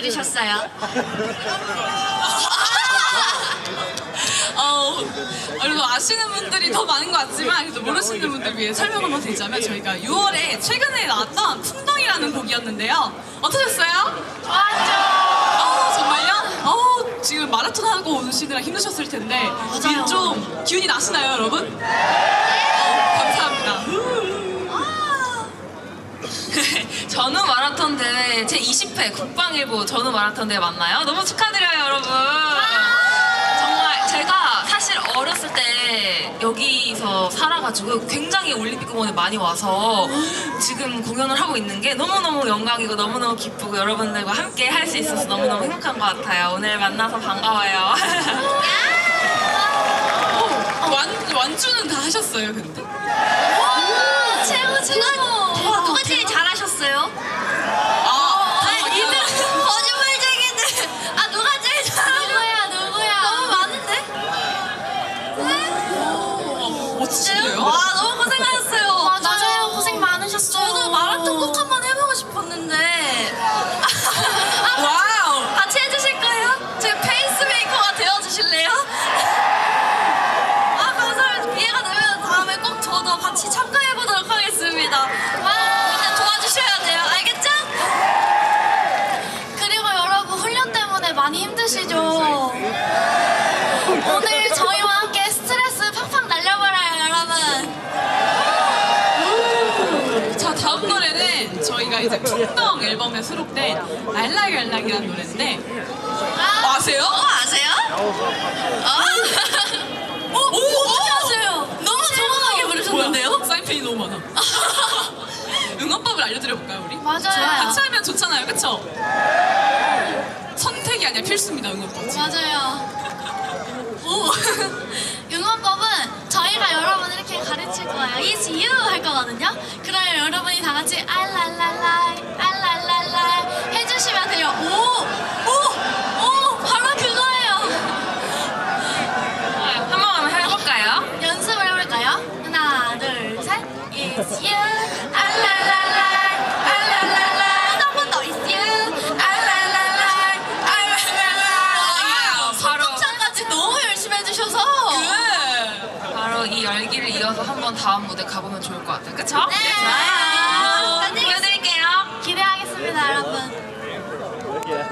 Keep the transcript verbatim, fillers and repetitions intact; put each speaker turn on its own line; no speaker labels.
들으셨어요?
어, 그리고 아시는 분들이 더 많은 것 같지만 그래도 모르시는 분들 위해 설명 한번 드리자면 저희가 유월에 최근에 나왔던 풍덩이라는 곡이었는데요. 어떠셨어요?
좋았죠.
어, 정말요? 어, 지금 마라톤 하고 오시느라 힘드셨을 텐데
맞아요.
좀 기운이 나시나요, 여러분? 어, 감사합니다.
전후 마라톤 대회 제이십 회 국방일보 전후 마라톤 대회 맞나요? 너무 축하드려요, 여러분. 정말 제가 사실 어렸을 때 여기서 살아가지고 굉장히 올림픽 공원에 많이 와서 지금 공연을 하고 있는 게 너무너무 영광이고 너무너무 기쁘고 여러분들과 함께 할 수 있어서 너무너무 행복한 것 같아요. 오늘 만나서 반가워요.
어, 완, 완주는 다 하셨어요, 근데?
와, 최고 최고.
대박,
누가 제일 잘하셨어요?
아,
아, 이들 거짓말쟁이들. 아, 누가 제일 잘하셨어요? 누구야, 누구야? 너무 많은데?
어, 멋지신데요?
와, 너무 고생하셨어요.
맞아요. 고생 많으셨어요.
저도 마라톤 꼭 한번 해보고 싶었는데. 아,
와우!
같이 해주실 거예요? 제 페이스메이커가 되어주실래요? 아, 감사합니다. 기회가 되면 다음에 꼭 저도 같이 참가해보도록 하겠습니다. 와, 근데 도와주셔야 돼요. 알겠죠?
그리고 여러분 훈련 때문에 많이 힘드시죠? 오늘 저희와 함께 스트레스 팍팍 날려버려요, 여러분.
자, 다음 노래는 저희가 이제 풍덩 앨범에 수록된 알락알락이라는 노래인데 어, 아세요?
어, 아세요? 아,
어? 오!
어떻게 아세요? 너무 정확하게 부르셨는데요?
뭐야? 사인펜이 너무 많아. 응원법을 알려드려볼까요, 우리?
맞아요.
같이 하면 좋잖아요, 그쵸? 선택이 아니라 필수입니다, 응원법.
맞아요. 오. 응원법은 저희가 여러분 이렇게 가르칠 거예요. It's you 할 거거든요. 그러면 여러분이 다 같이 알랄랄라 알랄랄라 해주시면 돼요. 오! 오! 오! 바로 그거예요.
한 번만 해볼까요?
연습을 해볼까요? 하나, 둘, 셋. It's you. 알랄랄라. 알랄랄라. 한 번 더. It's you. 알랄랄라. 알랄랄라.
바로
성창까지 너무 열심히 해주셔서.
그
바로 이 열기를 이어서 한번 다음 무대 가보면 좋을 것 같아요. 그쵸?
네.
자,